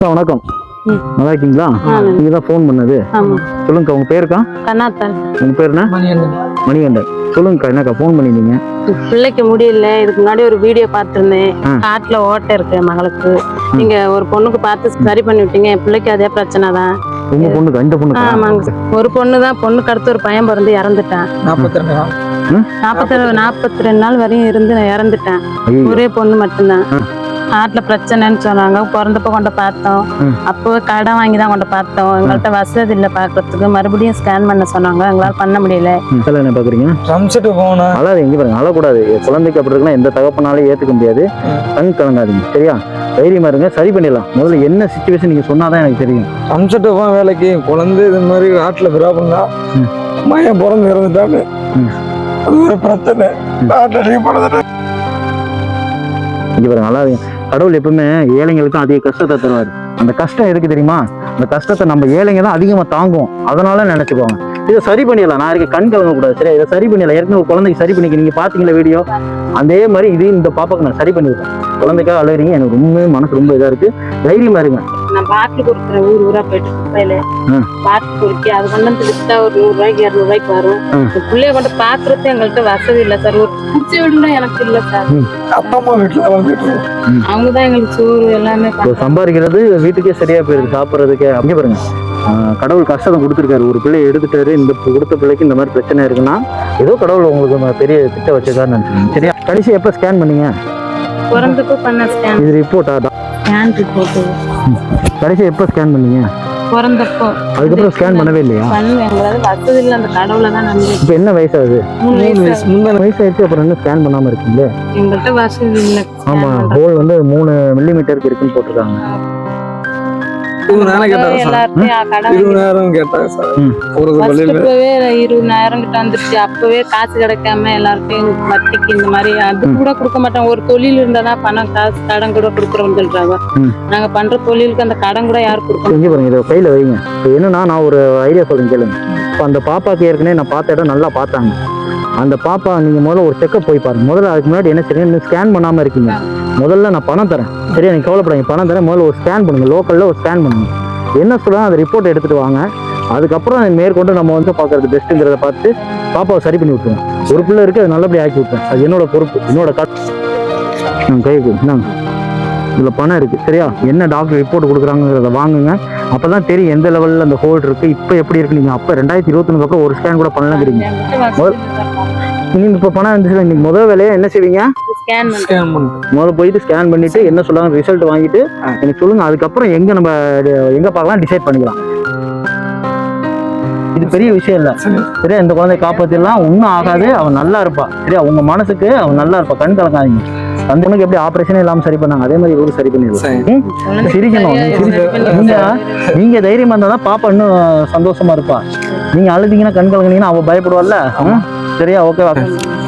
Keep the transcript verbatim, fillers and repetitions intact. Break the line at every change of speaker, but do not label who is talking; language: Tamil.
வணக்கம். நல்லா இருக்கீங்களா? நீங்க தான் ஃபோன் பண்ணது. சொல்லுங்கக்கா, உங்க பேருக்கா?
கண்ணாத்தன்.
உங்க பேர் என்ன?
மணிகண்டன்.
மணிகண்டன். சொல்லுங்கக்கா, என்னக்கா ஃபோன் பண்ணிருந்தீங்க?
பிள்ளைக்கு முடியல. இதுக்கு முன்னாடி ஒரு வீடியோ பார்த்துருந்தேன். காட்டுல ஓட்டை இருக்கு மகளுக்கு. நீங்க ஒரு பொண்ணுக்கு பார்த்து சரி பண்ணி விட்டீங்க. என் பிள்ளைக்கு அதே பிரச்சனை தான்.
உங்க பொண்ணுக்கு? இந்த பொண்ணுக்கு?
ஆமாங்க. ஒரு பொண்ணு தான். பொண்ணுக்கு அடுத்து ஒரு பையன் பிறந்து இறந்துட்டான். நாற்பத்தி ரெண்டு நாள் நாற்பத்தி நாற்பத்தி ரெண்டு நாள் வரையும் இருந்து நான் இறந்துட்டேன். ஒரே பொண்ணு மட்டும்தான். காட்டுல பிரச்சனைன்னு சொன்னாங்க. பிறந்தப்ப கொண்ட பார்த்தோம். அப்போ கடன் வாங்கி தான் கொண்ட பார்த்தோம். எங்கள்கிட்ட வசதி இல்லை பாக்குறதுக்கு. மறுபடியும் ஸ்கேன் பண்ண சொன்னாங்க. எங்களால பண்ண முடியல.
என்ன பாக்குறீங்க? அழாது, எங்க பாருங்க, அழக்கூடாது. குழந்தைக்கு அப்படி இருக்குன்னா எந்த தகப்பனாலும் ஏத்துக்க முடியாது. கண் கலங்காதீங்க, சரியா? தைரியமா இருங்க, சரி பண்ணிடலாம். முதல்ல என்ன சிச்சுவேஷன் நீங்க சொன்னாதான் எனக்கு தெரியும்.
அம்சட்டு போன வேலைக்கு குழந்தை இது மாதிரி காட்டுல விராபம்னா மையம் பிறந்து இறந்துட்டாங்க. அது ஒரு பிரச்சனை.
இங்க பாருங்க, அழாதீங்க. கடவுள் எப்பவுமே ஏழைங்களுக்கும் அதிக கஷ்டத்தை தருவாரு. அந்த கஷ்டம் எதுக்கு தெரியுமா? அந்த கஷ்டத்தை நம்ம ஏழைங்க தான் அதிகமா தாங்கும். அதனால நினைச்சுக்கோங்க. இதை சரி பண்ணிடலாம். நான் இருக்க கண் கலங்க கூடாது, சரியா? இதை சரி பண்ணிடலாம். ஏற்கனவே ஒரு குழந்தைக்கு சரி பண்ணிக்க, நீங்க பாத்தீங்களா வீடியோ? அதே மாதிரி இது இந்த பாப்பாக்கு நான் சரி பண்ணிவிட்டேன். குழந்தைக்காக அழுகிறீங்க, எனக்கு ரொம்ப மனசு ரொம்ப இதா இருக்கு. தைரியமா இருங்க.
நான் பாட்டில் கொடுக்குறேன். ஊர் ஊரா போயிட்டு குப்பையில பாட்டில் குடிக்க அது கொண்டு வந்து வித்தா ஒரு நூறு ரூபாய்க்கு இருநூறு ரூபாய்க்கு வரும். பிள்ளைய கொண்டு பாக்குறது எங்கள்கிட்ட வசதி இல்லை சார். ஒரு குடிச்ச வீடுனா எனக்கு இல்லை சார்.
அப்பா அம்மா வீட்டுல
அவங்கதான் எங்களுக்கு சோறு எல்லாமே
சம்பாதிக்கிறது வீட்டுக்கே சரியா போயிருக்கு, சாப்பிட்றதுக்கு. அப்படியே பாருங்க, கடவுள் கஷ்டத்தை கொடுத்துருக்காரு. ஒரு பிள்ளையை எடுத்துட்டாரு. இந்த கொடுத்த பிள்ளைக்கு இந்த மாதிரி பிரச்சனை இருக்குன்னா ஏதோ கடவுள் உங்களுக்கு பெரிய திட்டம் வச்சிருக்காருன்னு நினைச்சுக்கோங்க, சரியா? கடைசி எப்ப ஸ்கேன் பண்ணீங்க?
பிறந்தப்போ பண்ண ஸ்கேன்.
இது ரிப்போர்ட்டா?
Scan report.
கடைசி எப்ப ஸ்கேன் பண்ணீங்க?
பிறந்தப்போ.
அதுக்கப்புறம் ஸ்கேன் பண்ணவே இல்லையா?
பண்ணுவேன். எங்களால வசதி இல்லை. அந்த கடவுளை தான் நம்பி.
இப்போ என்ன வயசாகுது?
மூணு வயசு.
முந்தான வயசாயிடுச்சு. அப்புறம் என்ன ஸ்கேன் பண்ணாம இருக்கீங்களே?
எங்கள்கிட்ட வசதி இல்லை.
ஆமா, ஹோல் வந்து மூணு மில்லி மீட்டருக்கு இருக்குன்னு போட்டிருக்காங்க.
இருபதாயிரம் கேட்டாங்க சார்.
இருபதாயிரம் கிட்ட வந்துருச்சு. அப்பவே காசு கிடைக்காம எல்லாருக்கும் வட்டிக்கு இந்த மாதிரி அது கூட கொடுக்க மாட்டாங்க. ஒரு தொழில் இருந்தாதான் பணம் காசு கடன் கூட கொடுக்குறோம்னு சொல்றாங்க. நாங்க பண்ற தொழிலுக்கு அந்த கடன் கூட யாரும் கொடுக்க
செஞ்சு பாருங்க. இதை கையில வைங்க. இப்போ என்னன்னா, நான் ஒரு ஐடியா சொல்றேன் கேளுங்க. இப்போ அந்த பாப்பாக்கு ஏற்கனவே நான் பார்த்த இடம் நல்லா பார்த்தாங்க. அந்த பாப்பா நீங்க முதல்ல ஒரு செக்கப் போய் பாருங்க. முதல்ல அதுக்கு முன்னாடி என்ன செய்யுங்க, இன்னும் ஸ்கேன் பண்ணாம இருக்கீங்க. முதல்ல நான் பணம் தரேன், சரியா? நீங்க கவலைப்படாதீங்க, பணம் தரேன். முதல்ல ஒரு ஸ்கேன் பண்ணுங்க. லோக்கல்ல ஒரு ஸ்கேன் பண்ணுங்க. என்ன சொல்றாங்க அந்த ரிப்போர்ட் எடுத்துட்டு வாங்க. அதுக்கப்புறம் மேற்கொண்டு நம்ம வந்து பாக்குறது பெஸ்ட்டுங்கிறத பார்த்து பாப்பாவை சரி பண்ணி விட்டுருவோம். ஒரு பிள்ளை இருக்கு, அது நல்லபடியாக ஆக்கி விட்டுருவேன். அது என்னோட பொறுப்பு, என்னோட கட் கைக்கு. இந்தாங்க, இதுல பணம் இருக்கு, சரியா? என்ன டாக்டர் ரிப்போர்ட் கொடுக்குறாங்கிறத வாங்குங்க. அப்பதான் தெரியும் எந்த லெவல்ல அந்த ஹோல்ட் இருக்கு. இப்ப எப்படி இருக்கு? நீங்க அப்ப ரெண்டாயிரத்தி இருபத்தி ஒண்ணுக்கு அப்புறம் ஒரு ஸ்கேன் கூட பண்ணலாங்கிறீங்க. நீங்க இப்ப பணம் இருந்துச்சு, நீங்க முதல் வேலையா என்ன செய்வீங்க? முதல்ல போயிட்டு ஸ்கேன் பண்ணிட்டு என்ன சொல்றாங்க ரிசல்ட் வாங்கிட்டு எனக்கு சொல்லுங்க. அதுக்கப்புறம் எங்க நம்ம எங்க பார்க்கலாம் டிசைட் பண்ணிக்கலாம். இது பெரிய விஷயம் இல்ல, சரியா? இந்த குழந்தைய காப்பாத்திடலாம், ஒன்னும் ஆகாது. அவன் நல்லா இருப்பா, சரியா? உங்க மனசுக்கு அவன் நல்லா இருப்பா. கண் கலங்காதீங்க. அந்த பொண்ணுக்கு எப்படி ஆபரேஷனே இல்லாம சரி பண்ணாங்க, அதே மாதிரி இவரு சரி பண்ணிடலாம். சிரிக்கணும். நீங்க நீங்க தைரியமா இருந்தாதான் பாப்பா இன்னும் சந்தோஷமா இருப்பா. நீங்க அழுதீங்கன்னா கண் கலங்கினீங்கன்னா அவ பயப்படுவாள்ல, சரியா? ஓகேவா?